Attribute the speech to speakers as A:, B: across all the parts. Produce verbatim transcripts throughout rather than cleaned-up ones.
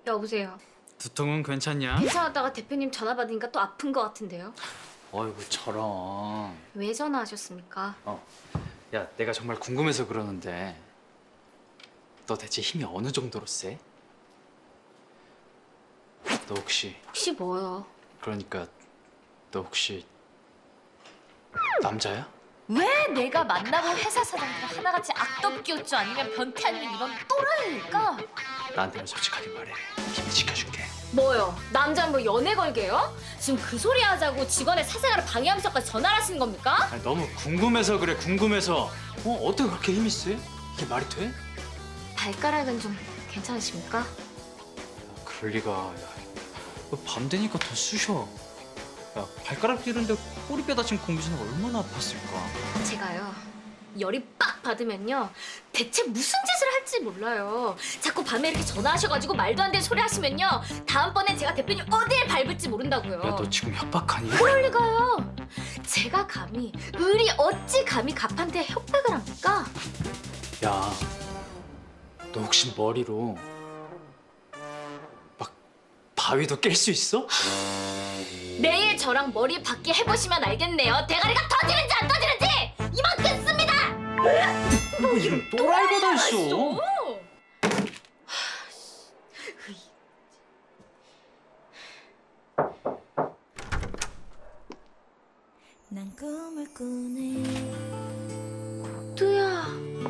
A: 여보세요.
B: 두통은 괜찮냐?
A: 괜찮았다가 대표님 전화 받으니까 또 아픈 것 같은데요?
B: 어이구 저런.
A: 왜 전화하셨습니까?
B: 어, 야 내가 정말 궁금해서 그러는데 너 대체 힘이 어느 정도로 세? 너 혹시
A: 혹시 뭐요?
B: 그러니까 너 혹시 남자야?
C: 왜 내가 만나본 회사 사장들 하나같이 악덕기였죠? 아니면 변태 아니면 이런 또라이일까?
B: 나한테만 솔직하게 말해. 힘 지켜줄게.
A: 뭐요? 남자 뭐 연애 걸게요? 지금 그 소리 하자고 직원의 사생활을 방해하면서까지 전화를 하시는 겁니까?
B: 아니, 너무 궁금해서 그래. 궁금해서. 어 어떻게 그렇게 힘이 세? 이게 말이 돼?
A: 발가락은 좀 괜찮으십니까?
B: 그럴 리가. 야, 밤 되니까 더 쑤셔. 야 발가락 찌른데 꼬리뼈 다친 공기수는 얼마나 아팠을까.
A: 제가요 열이 빡 받으면요 대체 무슨 짓을 할지 몰라요. 자꾸 밤에 이렇게 전화하셔가지고 말도 안 되는 소리 하시면요 다음번엔 제가 대표님 어디에 밟을지 모른다고요.
B: 야 너 지금 협박하니?
A: 그럴 리가요. 제가 감히 을이 어찌 감히 갑한테 협박을 합니까?
B: 야, 너 혹시 머리로 막 바위도 깰 수 있어?
A: 내일 저랑 머리 바퀴 해보시면 알겠네요. 대가리가 터지는지 안 터지는지 이만큼 씁니다.
B: 뭐 이런 또라이가 다 있어.
D: 난 꿈을 꾸네
A: 뚜야.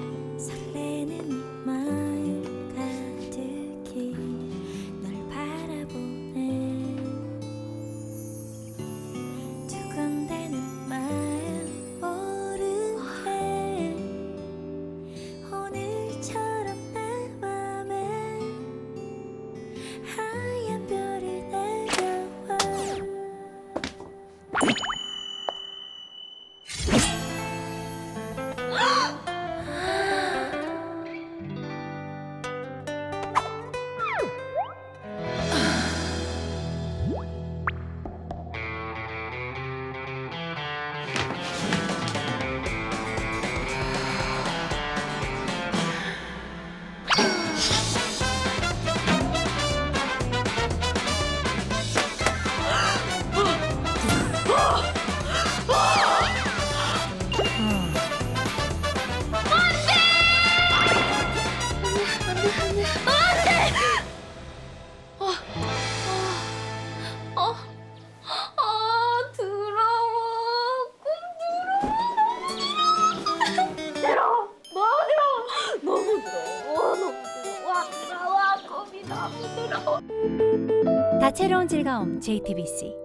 D: 설레는 마음 가득히 널 바라보네 두근대는 마음 오르네 오늘처럼 내 맘에 하얀 별이 내려와
A: 어, 아 더러워. 꿈 더러워. 더러워. 너무 더러워. 너무 더러워. 너무 더러워. 와, 꿈이 너무 더러워.
E: 다채로운 즐거움 제이티비씨